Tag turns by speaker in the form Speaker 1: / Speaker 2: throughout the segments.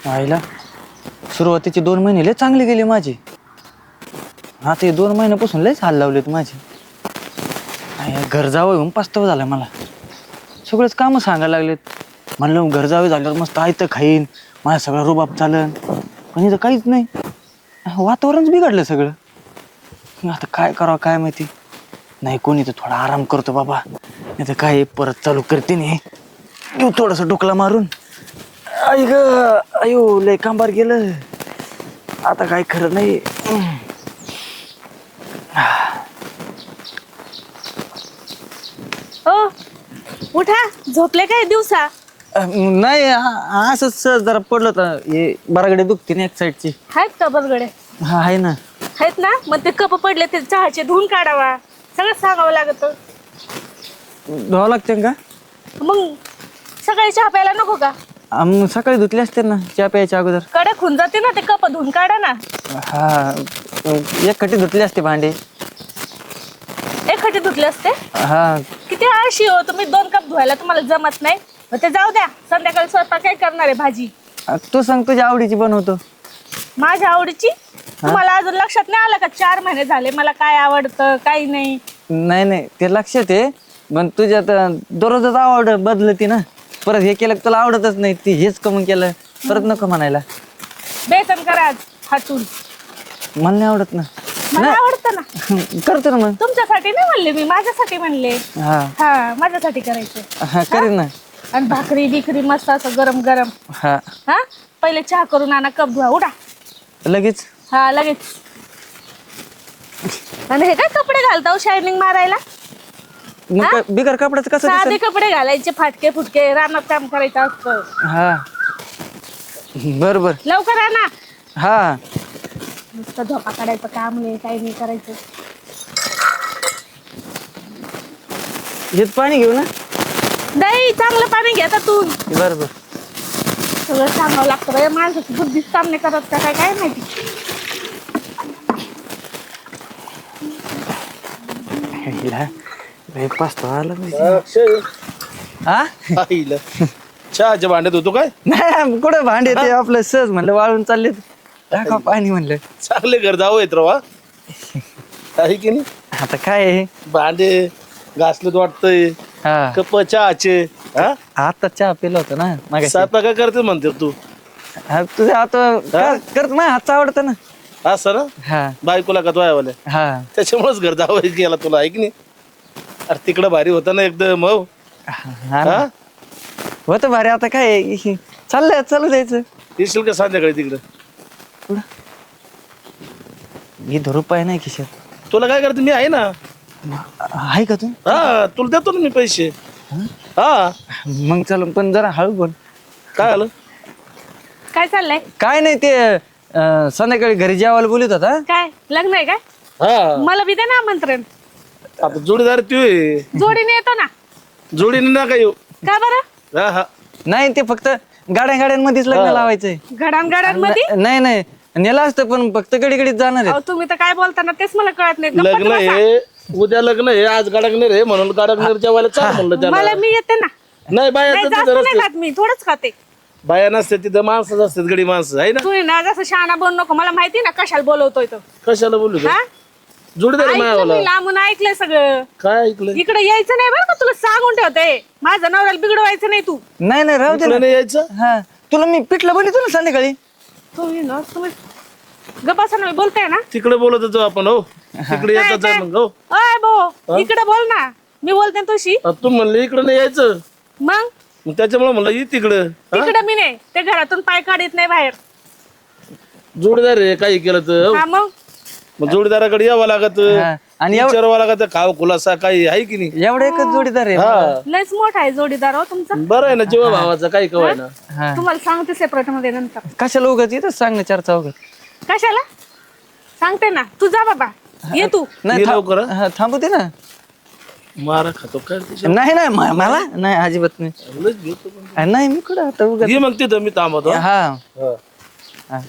Speaker 1: आईला सुरुवातीचे 2 महिने लय चांगले गेले माझे. आता हे 2 महिन्यापासून लयच हाल लावलेत माझे. घर जावं येऊन पस्तावा झाला मला. सगळंच कामं सांगायला लागलेत. म्हणलं घर जावे झाल्यावर मस्त आयतं खाईन, माझा सगळा रुबाब चालन. पण इथं काहीच नाही. वातावरणच बिघडलं सगळं. आता काय करावं काय माहिती. नाही कोणी तर थोडा आराम करतो बाबा, नाही तर काय परत चालू करते नाही. घेऊ थोडस डोकला मारून. आई ग अयो लय कांबार गेलं. आता काय खरं नाही.
Speaker 2: ओ उठा, झोपले काय दिवसा?
Speaker 1: नाही असंच सहज जरा पडलं तर हे बरागडे दुखते ना एक साईडची.
Speaker 2: आहेत का बरगडे?
Speaker 1: हा आहे ना.
Speaker 2: आहेत ना, मग ते कप पडले ते चहाचे धुवून काढावा. सगळं सांगावं लागत.
Speaker 1: धुवावं लागते का?
Speaker 2: मग सकाळी चहा प्यायला नको का?
Speaker 1: सकाळी धुतले असते ना चहा प्यायच्या अगोदर.
Speaker 2: कडक होऊन जाते ना, ते कप धुवून काढा ना.
Speaker 1: हा एक खट्टी धुतले असते भांडे.
Speaker 2: एक खटे धुतले असते.
Speaker 1: हा
Speaker 2: किती आळशी हो तुम्ही, 2 कप धुवायला तुम्हाला जमत नाही. मग ते जाऊ द्या, संध्याकाळी स्वयंपाक काय करणार आहे? भाजी
Speaker 1: तू सांग तुझ्या आवडीची बनवतो.
Speaker 2: माझ्या आवडीची? तुम्हाला अजून लक्षात नाही आलं का 4 महिने झाले मला काय आवडतं काही नाही?
Speaker 1: नाही नाही ते लक्षात आहे, पण तुझ्यात दररोजच आवड बदलती ना. परत हे केलं तुला आवडतच नाही, ती हेच कमी केलं परत नको म्हणायला.
Speaker 2: बेसन करा आज हातून.
Speaker 1: मला नाही आवडत ना.
Speaker 2: मला आवडतं ना.
Speaker 1: करतो ना मग.
Speaker 2: तुमच्यासाठी नाही म्हणले मी, माझ्यासाठी म्हणले.
Speaker 1: हा
Speaker 2: हा माझ्यासाठी करायचं.
Speaker 1: हा करीन ना.
Speaker 2: आणि भाकरी बिकरी मस्त असं गरम गरम.
Speaker 1: हा
Speaker 2: हा पहिले चहा करून आणा, कप धुवा, उठा
Speaker 1: लगेच.
Speaker 2: हा लगेच. आणि हे काय कपडे घालता शायनिंग मारायला?
Speaker 1: मग बिगर कपड्याचं कसं
Speaker 2: साधे
Speaker 1: दिसेल?
Speaker 2: कपडे घालायचे, फाटके फुटके, रानात काम करायचं असतं.
Speaker 1: हा बर बर.
Speaker 2: लवकर आणा.
Speaker 1: हा
Speaker 2: नुसतं झोपा काढायचं काम नाही, काही नाही करायचं.
Speaker 1: हेच पाणी घेऊ ना.
Speaker 2: नाही चांगलं पाणी घ्या त्यातून.
Speaker 1: बर बर.
Speaker 2: सगळं सांगावं लागतं बाई, माणसाची बुद्धीच काम नाही करत का काय काय माहिती.
Speaker 1: पस्तावा
Speaker 3: हा चहाच्या भांड्यात होतो काय?
Speaker 1: नाही कुठं भांडे ते आपलं सहज म्हणलं वाळून चालले टाका पाणी म्हणलं.
Speaker 3: चांगले घर जावं येत रवा आहे की नाही.
Speaker 1: आता काय आहे?
Speaker 3: भांडे घासलेत वाटतंय.
Speaker 1: हा
Speaker 3: कप चहाचे. हा
Speaker 1: आता चहा पिला होता ना मागे.
Speaker 3: स्वयंपाक काय करते म्हणते तू?
Speaker 1: तुझं आता करत माझ्या हातचा आवडतं ना.
Speaker 3: असं ना.
Speaker 1: हा
Speaker 3: बायकोला का वाले
Speaker 1: हा
Speaker 3: त्याच्यामुळेच घर जावं गेला तुला आहे की नाही. अरे तिकडं भारी होता ना एकदम. हो
Speaker 1: हा ना. होतं भारी. आता काय आहे? चाललंय चालू द्यायचं.
Speaker 3: येशील का संध्याकाळी तिकडं?
Speaker 1: पुढं हे रुपये नाही खिशात.
Speaker 3: तुला काय करते मी आहे ना.
Speaker 1: आहे का तू?
Speaker 3: हा तुला देतो ना मी पैसे. हा
Speaker 1: मग चल पण जरा हळू बोल.
Speaker 3: काय आलं?
Speaker 2: काय चाललंय?
Speaker 1: काय नाही ते संध्याकाळी घरी जेवायला बोलत होता.
Speaker 2: काय लग्न आहे काय?
Speaker 3: हा
Speaker 2: मला बी दे ना आमंत्रण.
Speaker 3: आता जोडीदार तू आहे.
Speaker 2: जोडीने येतो ना.
Speaker 3: जोडीने ना काय येऊ.
Speaker 2: का बरं?
Speaker 3: हा हा
Speaker 1: नाही ते फक्त गाड्यांमध्येच लग्न लावायचंय.
Speaker 2: घडांघडांमध्ये?
Speaker 1: नाही नाही नेला असतं पण फक्त गडीगडीत जाणार आहे.
Speaker 2: अहो, तुम्ही तर काय बोलताना तेच मला कळत नाही.
Speaker 3: लग्न
Speaker 2: गप्पा बसा.
Speaker 3: आहे उद्या. लग्न आहे आज गाडगनेर आहे म्हणून गाडगनेर जेवायला चाल म्हणलं त्याला.
Speaker 2: मला मी येते ना.
Speaker 3: नाही बाया
Speaker 2: नाही जास्त नाही खात मी, थोडंच खाते.
Speaker 3: बाया नसते तिथं माणसंच असतात. गडी माणसं आहे ना.
Speaker 2: तुम्ही ना जसं शहाणा बोल नको. मला माहिती ना कशाला बोलवतोय तो.
Speaker 3: कशाला बोलू तू?
Speaker 2: हा
Speaker 3: जोडीदार आहे
Speaker 2: ऐकलं
Speaker 3: मायावाला.
Speaker 2: मी, लांबून ऐकलंय सगळं.
Speaker 3: काय ऐकलं?
Speaker 2: इकडे यायचं नाही बरं का, तुला सांगून ठेवते. माझं नवऱ्याला बिघडवायचं नाही तू.
Speaker 1: नाही नाही राहू दे
Speaker 3: इकडं
Speaker 1: ना.
Speaker 3: नाही यायचं.
Speaker 1: हा तुला मी पिठलं बोलतो ना संध्याकाळी.
Speaker 2: तुम्ही ना तुम्ही गप्पा बोलताय ना.
Speaker 3: तिकडे बोलत होतो आपण. हो तिकडे येतात आहे मग. हो
Speaker 2: अय भाऊ इकडे बोल ना. मी बोलते ना तुझी.
Speaker 3: तू म्हणले इकडे नाही यायचं
Speaker 2: मग
Speaker 3: मग त्याच्यामुळे म्हणलं ये तिकडं. हा?
Speaker 2: तिकडे मी नाही, ते घरातून पाय काढत नाही बाहेर.
Speaker 3: जोडीदार आहे काही केलं तर. हो.
Speaker 2: हा
Speaker 3: मग जोडीदाराकडे यावं लागत.
Speaker 1: हा. आणि
Speaker 3: विचारावं लागत खाव खुलासा काही आहे की नाही.
Speaker 1: एवढं एकच जोडीदार आहे.
Speaker 3: हा
Speaker 2: लयच मोठा आहे जोडीदार हो तुमचा.
Speaker 3: बरं आहे ना जीवा भावाचा काही कवाय ना.
Speaker 1: हा
Speaker 2: तुम्हाला सांगते सेपरेट मध्ये नंतर.
Speaker 1: कशाला उगाच इथंच सांग ना 4 चौघात.
Speaker 2: कशाला सांगते ना. तू जा बाबा, ये तू.
Speaker 1: नाही
Speaker 3: ये लवकर,
Speaker 1: हा, थांबू दे ना.
Speaker 3: मारा खातो काय त्याच्या.
Speaker 1: नाही नाही मला नाही अजिबात नाही.
Speaker 3: लयच भेटतो पण.
Speaker 1: नाही मी कुठं आता उगाच.
Speaker 3: ये मग तिथं मी थांबतो.
Speaker 1: हा
Speaker 3: हा.
Speaker 1: हा.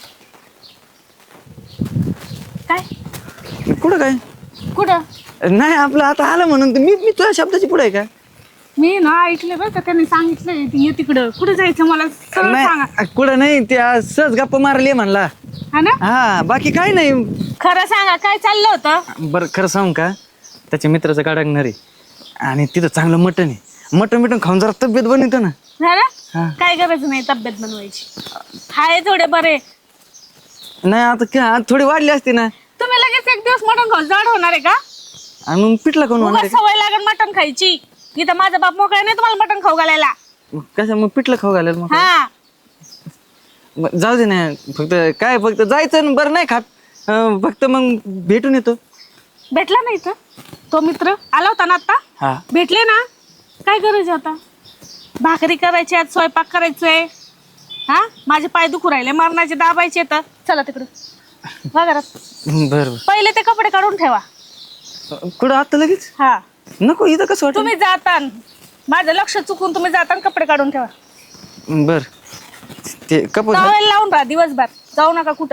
Speaker 2: काय
Speaker 1: कुठं काय
Speaker 2: कुठं?
Speaker 1: नाही आपलं आता आलं म्हणून तर मी तुझ्या शब्दाची पुढे आहे का?
Speaker 2: मी ना ऐकले बरं का, त्यांनी सांगितलंय ये तिकडं. कुठे जायचं मला सरळ सांगा.
Speaker 1: नाही कुठं नाही, त्या सहज गप्पा मारली म्हणला.
Speaker 2: हा ना,
Speaker 1: हा बाकी काय नाही.
Speaker 2: खरं सांगा काय चाललं होतं.
Speaker 1: बरं खरं सांगू का, त्याच्या मित्राचं गाडगणार आहे आणि तिथं चांगलं मटण आहे. मटण खाऊन जरा तब्येत बनवतो ना.
Speaker 2: हा ना,
Speaker 1: हा.
Speaker 2: काय गरज नाही तब्येत बनवायची. हाय थोडे बरे.
Speaker 1: नाही आता थोडी वाढली असती ना.
Speaker 2: तुम्ही लगेच एक दिवस मटण खाऊन जाड होणार आहे का?
Speaker 1: आणि मग पिठला कोण होणार
Speaker 2: उगाच सवय लागेल मटण खायची. इथं माझा बाप मोकळा नाही तुम्हाला मटण खाऊ घालायला.
Speaker 1: आहे? कसं मग पिठलं खाऊ घालेल मग?
Speaker 2: हा,
Speaker 1: जाऊ दे ना, फक्त जायचं आणि बरं नाही खात. फक्त मग भेटून येतो.
Speaker 2: भेटला नाही तर तो मित्र आला होता ना आता.
Speaker 1: हा
Speaker 2: भेटले ना, काय करायचं आता? भाकरी करायची, आज स्वयंपाक करायचंय. हा, माझे पाय दुखू राहिले, मरणाचे दाबायचे. तर चला तिकडं वा घरात.
Speaker 1: बरं
Speaker 2: पहिले ते कपडे काढून ठेवा.
Speaker 1: कुठं आता लगेच
Speaker 2: हा,
Speaker 1: नको, इथं कसं वाटत.
Speaker 2: तुम्ही जातान माझं लक्ष चुकून तुम्ही जातान कपडे काढून ठेवा.
Speaker 1: बर ते कपूर
Speaker 2: टॉवेल लावून राहा दिवसभर, जाऊ नका कुठं.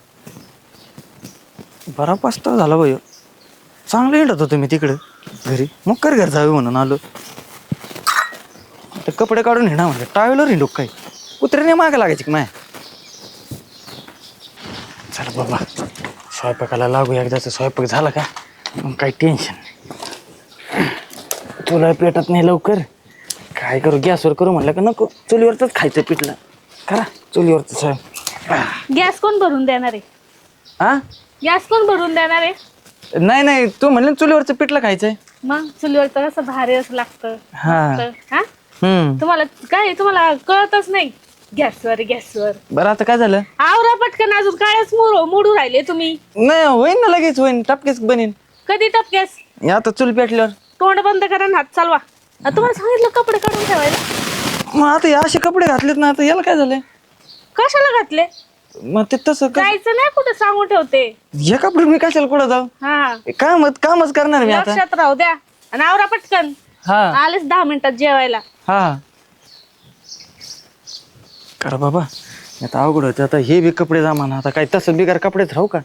Speaker 1: बरा पास्ता झाला भाई. चांगलं येत होतो मी तिकडं घरी, मग कर घर जावे म्हणून आलो. ते कपडे काढून हिंडा म्हणजे टावेलवर हिंडू काय, कुत्र्याने मागे लागायची माय. चला बाबा स्वयंपाकाला लागू. एकदाचा स्वयंपाक झाला का मग काही टेन्शन नाही. तुला पेटत नाही लवकर, काय करू गॅसवर करू म्हणलं का नको, चुलीवरच खायचं पिठलं. करा चुलीवरच स्वयंपाक.
Speaker 2: गॅस कोण भरून देणार आहे?
Speaker 1: हा
Speaker 2: गॅस कोण भरून देणार आहे?
Speaker 1: नाही नाही, तू म्हणलं चुलीवरचं पिठलं खायचंय.
Speaker 2: मग चुलीवरचं कसं भारी असं लागतं.
Speaker 1: हा
Speaker 2: हा,
Speaker 1: हम्म.
Speaker 2: तुम्हाला काय, तुम्हाला कळतच नाही. गॅसवर गॅसवर.
Speaker 1: बरं आता काय झालं?
Speaker 2: आवरा पटकन, अजून कायच मोडू राहिले तुम्ही.
Speaker 1: नाही होईन ना, लगेच होईन, टपकेच बनेन.
Speaker 2: कधी टपक्यास?
Speaker 1: आता चूल पेटल्यावर.
Speaker 2: तोंड बंद करा आणि हात चालवा. तुम्हाला सांगितलं कपडे काढून ठेवायला.
Speaker 1: मग आता हे असे कपडे घातलेत ना, आता याला काय झालंय?
Speaker 2: कशाला घातले?
Speaker 1: मग ते तसं
Speaker 2: जायचं नाही कुठे, सांगून ठेवते.
Speaker 1: हे कपडे मी कशाला कुठं जाऊ?
Speaker 2: हा,
Speaker 1: कामच करणार मी आता.
Speaker 2: लक्षात राहू द्या. आणि आवरा पटकन.
Speaker 1: हा
Speaker 2: आलेच 10 मिनिटात जेवायला.
Speaker 1: हा करा बाबा, आता अवघड होते. आता हे बी कपडे जमाना, आता काय तसं बिगार कपडेच राहू का?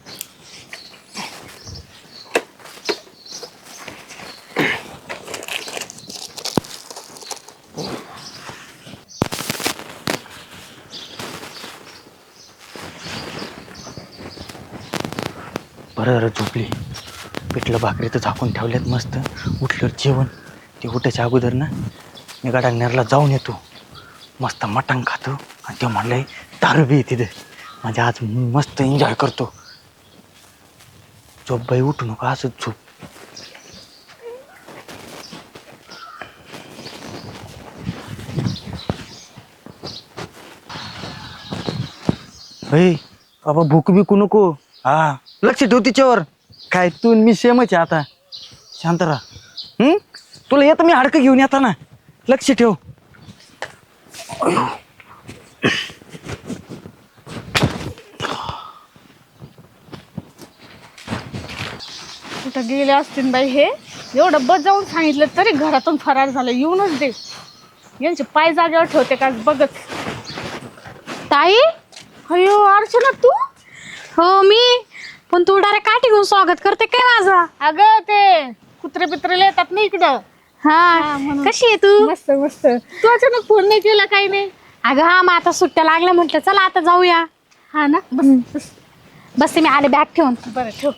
Speaker 1: बरं झोपली. पिठलं भाकरी तर झाकून ठेवल्यात मस्त. उठल्यावर जेवण. ते उठायच्या अगोदर ना मी गडांगनेरला जाऊन येतो, मस्त मटण खातो. आणि ते म्हणलंय दारू बी तिथे, म्हणजे आज मस्त एन्जॉय करतो. झोप बाई, उठू नको, असंच झोप. बाई बाबा भूक बिकू नको. हा लक्ष ठेव तिच्यावर. काय तू मी सेमच आहे आता, शांत राहा. तुला येतं मी हाडकं घेऊन येता ना, लक्ष ठेव.
Speaker 2: कुठं गेले असतील बाई हे. एवढं बजावून सांगितलं तरी घरातून फरार झालं. येऊनच दे, यांचे पाय जागेवर ठेवते का बघत.
Speaker 4: ताई,
Speaker 2: अयो अर्चना तू.
Speaker 4: हो मी. पण तू डायरेक्ट काठी घेऊन स्वागत करते काय माझा?
Speaker 2: अगं ते कुत्रे पित्रे येतात ना इकडं.
Speaker 4: हा,
Speaker 2: म्हणून.
Speaker 4: कशी आहे तू?
Speaker 2: मस्त मस्त. तू अचानक फोन नाही केला, काही नाही.
Speaker 4: अगं हा, मग आता सुट्ट्या लागल्या, म्हटलं चला आता जाऊया.
Speaker 2: हा ना, बस.
Speaker 4: बस मी आले बॅग ठेवून.
Speaker 2: बरं ठेव.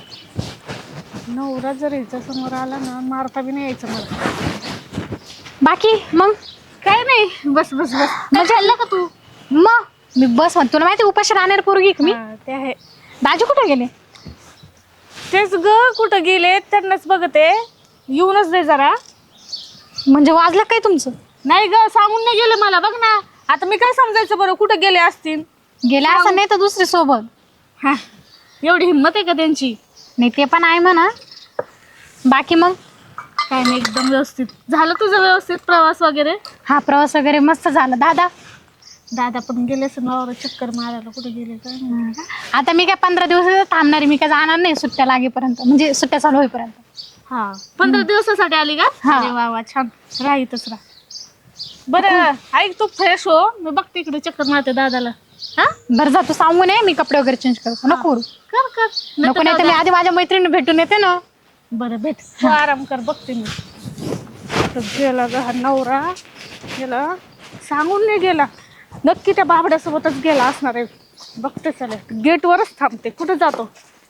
Speaker 2: नवरा जर याच्या समोर आला ना, मारता बी नाही यायचं मला.
Speaker 4: बाकी मग
Speaker 2: काय नाही, बस बस बस.
Speaker 4: मग
Speaker 2: खाल्लं का तू?
Speaker 4: मग मी बस म्हणतो, तुला माहिती उपाशी राहणार पोरगी का मी.
Speaker 2: हा, ते आहे.
Speaker 4: दाजू कुठे गेले?
Speaker 2: तेच ग, कुठं गेले त्यांनाच बघते. येऊनच दे जरा.
Speaker 4: म्हणजे वाजलं काय तुमचं?
Speaker 2: नाही ग, सांगून नाही गेले मला. बघ ना आता मी काय समजायचं बरं, कुठं गेले असतील.
Speaker 4: गेले असं नाही तर दुसरी सोबत.
Speaker 2: हा, एवढी हिंमत आहे का त्यांची?
Speaker 4: नाही ते पण आहे म्हणा. बाकी मग
Speaker 2: काय नाही, एकदम व्यवस्थित झालं तुझं. व्यवस्थित प्रवास वगैरे?
Speaker 4: हा, प्रवास वगैरे मस्त झाला.
Speaker 2: दादा पण गेले नवरा चक्कर मारायला. कुठे गेले काय माहिती.
Speaker 4: आता मी काय 15 दिवस थांबणार आहे. मी काय जाणार नाही सुट्ट्या लागेपर्यंत, म्हणजे सुट्ट्या चालू होईपर्यंत.
Speaker 2: हा, 15 दिवसासाठी आली का?
Speaker 4: हा.
Speaker 2: अरे वा वा, छान. राहीतच राहा. बरं ऐक, तू फ्रेश हो, मी बघते इकडे चक्कर मारते दादाला. हा,
Speaker 4: बरं जा, तू सांगू नये, मी कपडे वगैरे चेंज करतो. नको करू.
Speaker 2: कर
Speaker 4: नको, नाही तर मी आधी माझ्या मैत्रिणी भेटून येते ना.
Speaker 2: बरं भेट, तू आराम कर, बघते मी. कुठं गेला ग हा नवरा? गेला सांगून नाही गेला, नक्की त्या बाबड्यासोबतच गेला असणार आहे. बघते चले, गेटवरच थांबते. कुठं जातो?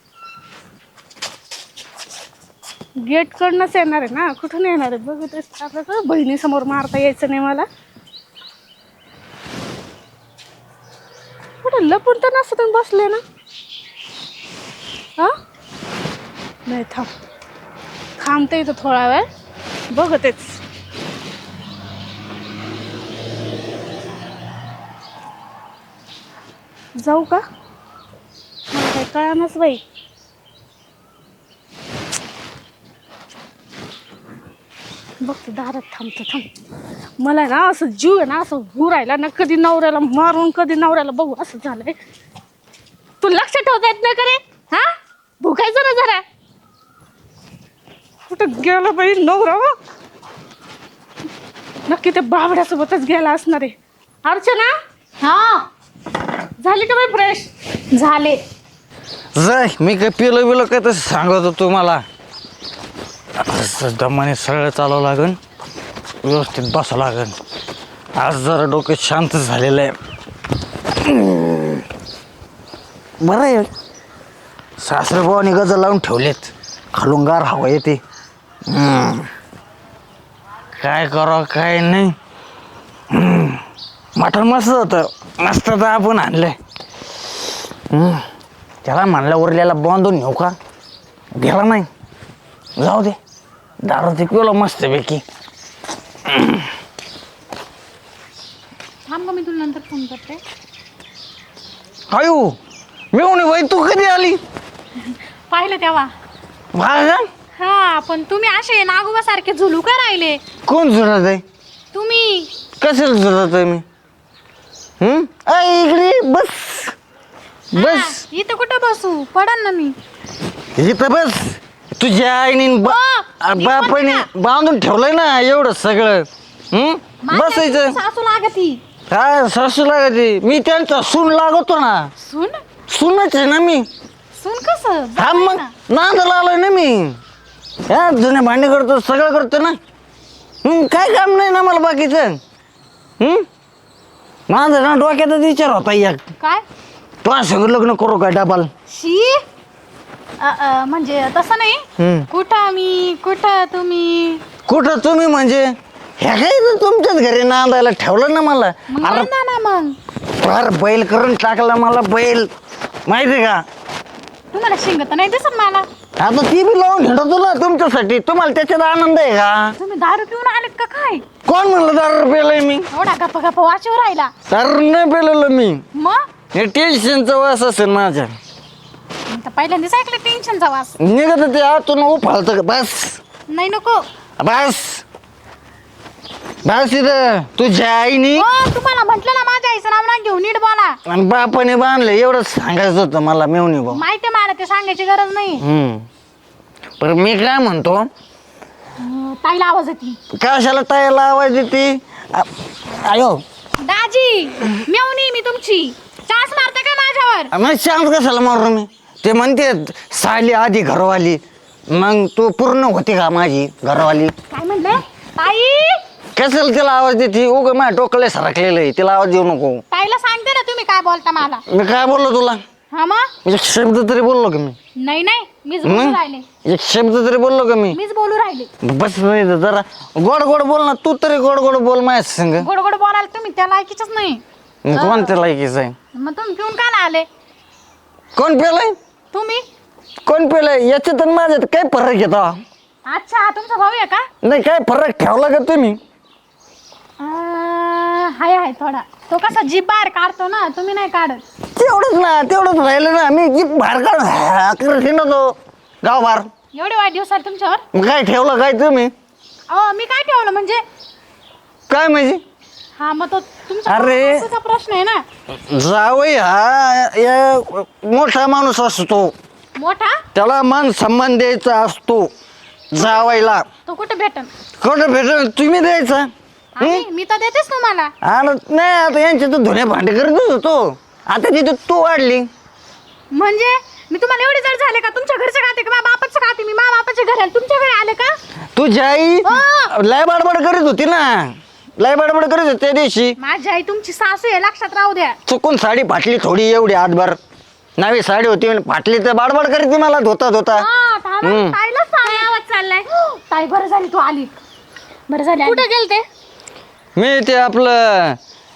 Speaker 2: गेट कडनंच येणार आहे ना, कुठून येणार आहे बघतेच. आपल्याला बहिणीसमोर मारता यायचं नाही मला. कुठं लपून तर नसतं बसले ना? हा नाही, थांबते इथं थोडा वेळ, बघतेच. जाऊ का? मला काही कळानच बाई. बघते दारात थांब. मला ना असं जीव आहे ना, असं राहिला ना, कधी नवऱ्याला मारून कधी नवऱ्याला बघू असं झालंय. तू लक्ष ठेवता येत नाही का रे? हा, भुकायचं ना जरा. कुठं गेला बाई नवरा? नक्की त्या बाबड्यासोबतच गेला असणार आहे. अर्चना,
Speaker 4: हा
Speaker 2: झाली का बाई फ्रेश?
Speaker 4: झाले.
Speaker 1: जाय, मी काय पिलो बिलो काय तसं सांगत होतो मला. दमाने सरळ चालावं लागन, व्यवस्थित बसावं लागन. आज जरा डोकं शांत झालेलं आहे. बरं आहे, सासरेबावाने गजर लावून ठेवलेत, खालून गार हवा येते. काय करावं काय नाही. मटण मस्त होतं, मस्त तर आपण आणलंय. त्याला म्हणलं उरल्याला बांधून नेऊ का, गेला नाही. जाऊ दे, दारू ते पिवलं मस्तपैकी.
Speaker 4: थांब का, मी तुला नंतर फोन करते.
Speaker 1: अयो मिळून बाई, तू कधी आली?
Speaker 4: पाहिलं तेव्हा.
Speaker 1: बघा,
Speaker 4: हा, पण तुम्ही असे नागोबा सारखे झुलू का राहिले?
Speaker 1: कोण जुळत आहे?
Speaker 4: तुम्ही
Speaker 1: कशाला जुळत आहे मी? इकडे बस बस.
Speaker 4: हा, इथं कुठं बसू? पडन ना मी.
Speaker 1: इथं बस. तुझ्या आईने बापाने बांधून ठेवलंय ना एवढं सगळं. बसायचं.
Speaker 4: सासू लागती.
Speaker 1: काय सासू लागते? मी त्यांचा सून लागतो ना.
Speaker 4: सुन
Speaker 1: सूनच आहे ना मी.
Speaker 4: सुन कसं?
Speaker 1: हा मग नांदाला आलोय ना मी. हा, जुने भांडे करतो, सगळं करतो ना. काय काम नाही ना मला बाकीचं. माझं ना डोक्यातच विचार होता एक,
Speaker 4: काय?
Speaker 1: तू असं लग्न करू का डबाल?
Speaker 4: शी म्हणजे तसं नाही. कुठं मी, कुठं तुम्ही?
Speaker 1: कुठं तुम्ही म्हणजे ह्या काय तर तुमच्याच घरी नांदायला ठेवलं ना मला.
Speaker 4: मग
Speaker 1: अरे
Speaker 4: बांधा ना मग.
Speaker 1: फार बैल करून टाकला मला, बैल माहिती का?
Speaker 4: तुम्हाला शिंगत नाही दिसत मला.
Speaker 1: आता ती बी लावून हिंडतो ना तुमच्यासाठी. तुम्हाला त्याच्यात आनंद आहे का?
Speaker 4: तुम्ही दारू पिऊन आलेत का काय?
Speaker 1: कोण म्हणलं दारू पेलय मी?
Speaker 4: एवढा गप्पा गप्पा वाचीवर राहिला.
Speaker 1: दारू नाही पेलेलं मी.
Speaker 4: मग
Speaker 1: हे टेन्शनचा वास असेल माझ्या.
Speaker 4: मी तर पहिल्यांदाच ऐकलं टेन्शनचा वास.
Speaker 1: निघत ते आतून उफाळतं. बस
Speaker 4: नाही नको.
Speaker 1: बस बस इथं. तुझ्या आईनी
Speaker 4: हो, तुम्हाला म्हटलं ना माझ्या आईचं नाव ना घेऊन नीट बोला.
Speaker 1: आणि बापाने बांधलं एवढंच सांगायचं होतं मला मेवणी भाऊ.
Speaker 4: माहिती मला, ते सांगायची गरज नाही.
Speaker 1: पण मी काय म्हणतो,
Speaker 4: ताईला आवाज येते.
Speaker 1: कशाला ताईला आवाज येते? आयो
Speaker 4: दाजी, मेवणी मी तुमची. चास मारता का माझ्यावर?
Speaker 1: मग शांत कशाला मारू मी? ते म्हणते साली आधी घरवाली, मग तू पूर्ण होती का माझी घरवाली?
Speaker 4: काय म्हणले? ताई,
Speaker 1: कशाला तिला आवाज देते? उग माझ्या डोकले सरकलेलं आहे, तिला आवाज देऊ नको.
Speaker 4: ताईला सांगते ना तुम्ही काय बोलता मला.
Speaker 1: मी काय बोललो तुला?
Speaker 4: हा मग?
Speaker 1: एक शब्द तरी बोललो का मी?
Speaker 4: नाही नाही, मीच बोलू राहिले.
Speaker 1: एक शब्द तरी बोललो का मी?
Speaker 4: मीच बोलू राहिले.
Speaker 1: बस इथं जरा गोड गोड बोल ना. तू तरी गोड गोड बोल माझ्या संग.
Speaker 4: गोड गोड बोलायला तुम्ही त्या लायकीच नाही.
Speaker 1: कोणत्या लायकीच आहे?
Speaker 4: मग तुम्ही पिऊन का नाही आले?
Speaker 1: कोण पेलाय?
Speaker 4: तुम्ही?
Speaker 1: कोण पेलाय? याच्यात आणि माझ्यात काय फरक येतो?
Speaker 4: अच्छा, तुमचा भाऊ आहे का?
Speaker 1: नाही, काय फरक ठेवला का तुम्ही?
Speaker 4: हाय थोडा. तो कसा जीभ बाहेर काढतो ना, तुम्ही नाही काढत.
Speaker 1: तेवढंच राहिलं ना. मी जी बाहेर काढून नव्हतो गाव बाहेर.
Speaker 4: एवढे वाईट दिवस आले तुमच्यावर?
Speaker 1: मग काय ठेवलं काय तुम्ही?
Speaker 4: मी काय ठेवलं म्हणजे?
Speaker 1: काय म्हणजे?
Speaker 4: हा, मग तो तुमचा
Speaker 1: अरे.
Speaker 4: भावाचा प्रश्न आहे ना.
Speaker 1: जावई हा मोठा माणूस असतो,
Speaker 4: मोठा.
Speaker 1: त्याला मान सन्मान द्यायचा असतो. जावायला
Speaker 4: तो कुठे भेटन?
Speaker 1: कुठं भेटेल? तुम्ही द्यायचा.
Speaker 4: मी तर देतेच तुम्हाला.
Speaker 1: नाही, आता यांचे तर धुणे भांडे करतच होतो. आता तिथे तू वाढली
Speaker 4: म्हणजे मी तुम्हाला एवढे जड झाले का? तुमच्या घरचे खाते का माझ्या बापाचं खाते? मी माझ्या बापाच्या घरी आले, तुमच्या घरी आले का?
Speaker 1: तुझी आई लय बडबड करीत होती ना, लय बडबड करीत होती त्या दिवशी.
Speaker 4: माझी आई तुमची सासू आहे, लक्षात राहू द्या.
Speaker 1: चुकून साडी फाटली थोडी एवढी आतभर, नवी साडी होती आणि फाटली तर बडबड करीत ती मला धोता धोता.
Speaker 4: हा, थांबा, ताईला सांग. काय आवाज चाललाय? ताई बरं झाली तू आली. बरं झाली आली.
Speaker 2: कुठे गेलते?
Speaker 1: मी ते आपलं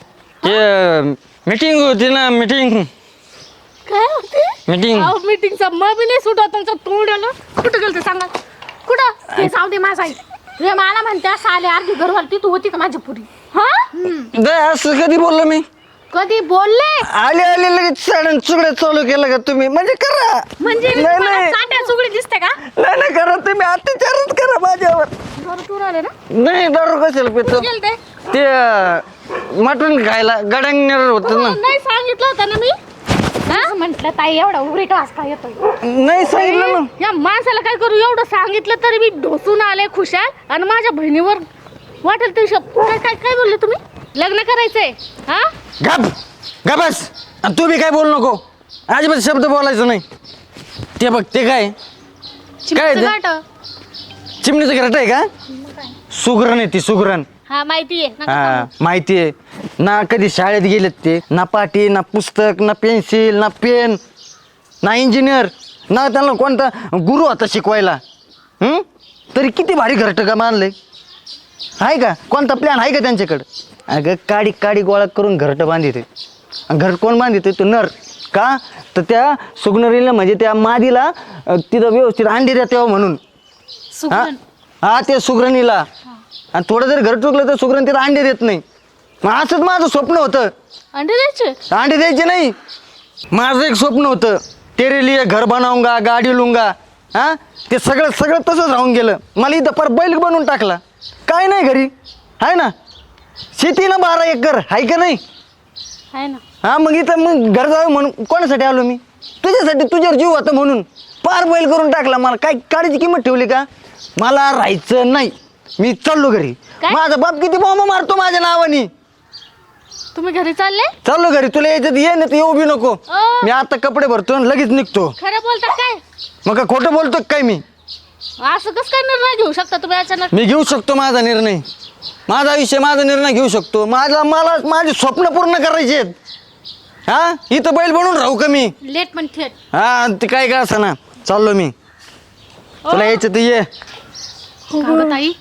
Speaker 1: ते मीटिंग होती ना, मीटिंग
Speaker 2: काय होते?
Speaker 1: मीटिंग.
Speaker 2: मीटिंगचा मग बी नाही सुटा तुमचं तोंड आलं. कुठं गेलते सांगा? कुठं?
Speaker 4: ते जाऊ दे माझा आई. रे मला म्हणते असं आले अर्धी घरवाली तू होती का माझी पुरी?
Speaker 2: हा?
Speaker 1: असं कधी बोललो मी?
Speaker 4: कधी बोलले?
Speaker 1: आले आले लगेच साड्या चुकड्या चालू केलं का तुम्ही? म्हणजे करा.
Speaker 2: म्हणजे मी
Speaker 1: नाही,
Speaker 2: तुम्हाला
Speaker 1: नाही.
Speaker 2: चाट्या चुगडी दिसते का?
Speaker 1: नाही नाही करा तुम्ही, अत्याचारच करा माझ्यावर.
Speaker 2: बरं तू राहिले ना?
Speaker 1: नाही दारू कशाला पितो?
Speaker 2: गेलते?
Speaker 1: ते मटण खायला गडांगणार होतं ना.
Speaker 2: नाही सांगितलं होतं ना मी.
Speaker 4: म्हंटल ताई एवढा उरेट वाजता येतोय.
Speaker 1: नाही सांगितलं ना.
Speaker 2: या माणसाला काय करू, एवढं सांगितलं तरी मी ढोसून आले खुशाल आणि माझ्या बहिणीवर वाटेल ते काय काय काय बोलले तुम्ही? लग्न करायचंय? हा?
Speaker 1: गप गपस. आणि तू बी काय बोलू नको, अजिबात शब्द बोलायचं नाही. ते बघ ते काय काय ते? चिमणीचं घरट आहे का? सुगरण आहे ती, सुगरण.
Speaker 2: हा माहिती आहे.
Speaker 1: हा माहिती आहे ना. कधी शाळेत गेलेत ते, ना पाटी ना पुस्तक ना पेन्सिल ना पेन ना इंजिनियर ना त्यांना कोणता गुरु होता शिकवायला. तरी किती भारी घरटं का मानलंय आहे का? कोणता प्लॅन आहे का त्यांच्याकडं? अगं काडी काडी गोळा करून घरटं बांधिते. घर कोण बांधिते? तो नर. का तर त्या सुगनरीला म्हणजे त्या मादीला तिथं व्यवस्थित अंडी द्या म्हणून. हा हा ते सुगरणीला. आणि थोडं जर घर चुकलं तर सुगरण तिथं अंडे देत नाही. मग असंच माझं स्वप्न होतं.
Speaker 2: अंडे द्यायचे?
Speaker 1: अंडे द्यायचे नाही. माझं एक स्वप्न होतं, तेरे लिए घर बनाऊंगा गाडी लुंगा. हा ते सगळं सगळं तसंच राहून गेलं. मला इथं पर बैल बनवून टाकला. काय नाही घरी आहे ना, शेती ना 12 एकर आहे का नाही?
Speaker 2: आहे ना.
Speaker 1: हा मग इथं मग घर जावं म्हणून कोणासाठी आलो मी? तुझ्यासाठी, तुझ्यावर जीव होता म्हणून पार बैल करून टाकला. मला काय काडीची किंमत ठेवली का? मला राहायचं नाही, मी चाललो घरी.
Speaker 2: काय?
Speaker 1: माझा बाप किती बॉम्ब मारतो माझ्या नावानी.
Speaker 2: तुम्ही घरी चालले?
Speaker 1: चाललो घरी. तुला यायचं ये ना तर येऊ बी नको. मी आता कपडे भरतो आणि लगेच निघतो.
Speaker 2: खरं बोलता काय?
Speaker 1: मग का खोटं बोलतो का काय मी?
Speaker 2: असं कसं काय निर्णय घेऊ शकता तुम्ही अचानक?
Speaker 1: मी घेऊ शकतो माझा निर्णय. माझा आयुष्य माझा निर्णय घेऊ शकतो. मला माझे स्वप्न पूर्ण करायचे आहेत. हा इथं बैल बनून राहू का मी?
Speaker 4: लेट पण थेट.
Speaker 1: हा ते काय का असं ना, चाललो मी. तुला यायचं तर ये.
Speaker 4: का गं ताई?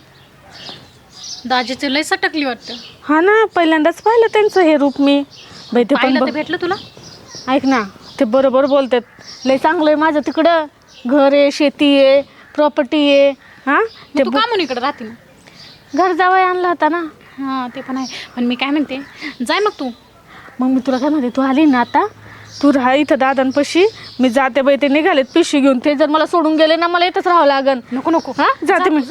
Speaker 4: दाजीची लय सटकली वाटतं.
Speaker 2: हा ना, पहिल्यांदाच पाहिलं त्यांचं हे रूप मी. बाई ते पण
Speaker 4: पाहिलं तर भेटलं तुला?
Speaker 2: ऐक ना, ते बरोबर बोलतात. लय चांगलं आहे माझं तिकडं. घर आहे, शेती आहे, प्रॉपर्टी आहे. हा
Speaker 4: मग तू का म्हणून इकडे राहते मग?
Speaker 2: घर जावई आणला होता ना.
Speaker 4: हां ते पण आहे. पण मी काय म्हणते, जाय मग तू.
Speaker 2: मग मी तुला काय म्हणते, तू आली ना आता, तू राहा इथं दादांपाशी. मी जाते बाई, ते निघालेत पिशवी घेऊन. ते जर मला सोडून गेले ना, मला इथंच राहावं लागन.
Speaker 4: नको नको.
Speaker 2: हा जाते मी.
Speaker 4: जा.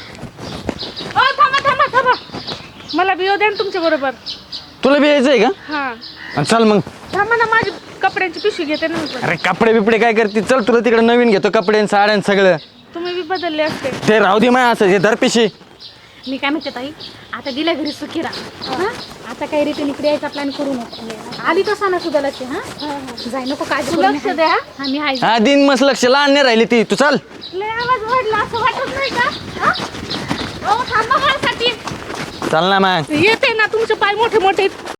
Speaker 2: थांबा थांबा थांबा, मला बी येऊ द्या ना तुमच्या बरोबर.
Speaker 1: तुला बी यायचं आहे का?
Speaker 2: हा
Speaker 1: चल मग.
Speaker 2: थांबा ना, माझी कपड्यांची पिशवी घेते ना मी पण.
Speaker 1: अरे कपडे बिपडे काय करते? चल तुला तिकडे नवीन घेतो कपडे आणि साड्या आणि सगळं.
Speaker 2: तुम्ही बी बदलले असते.
Speaker 1: ते राहू दे माय असं हे धरपिशी.
Speaker 4: मी काय म्हणते ताई, आता दिल्या घरी सुखी राहा. हां आता काही रिटर्न इकडे यायचा प्लॅन करू नको. आली तर सांगा सुद्धालाचे. हां जाय नको काळजी
Speaker 2: तू
Speaker 4: करू
Speaker 2: लक्ष
Speaker 4: नका.
Speaker 2: द्या.
Speaker 4: हां मी आहे.
Speaker 1: हा दिन मस्त लक्ष लहान नाही राहिली ती. तू चल.
Speaker 2: लय आवाज वाढला असं वाटत नाही का? हा? अहो थांबा माझ्यासाठी.
Speaker 1: चल ना मग.
Speaker 2: येते ना, तुमचे पाय मोठे मोठे.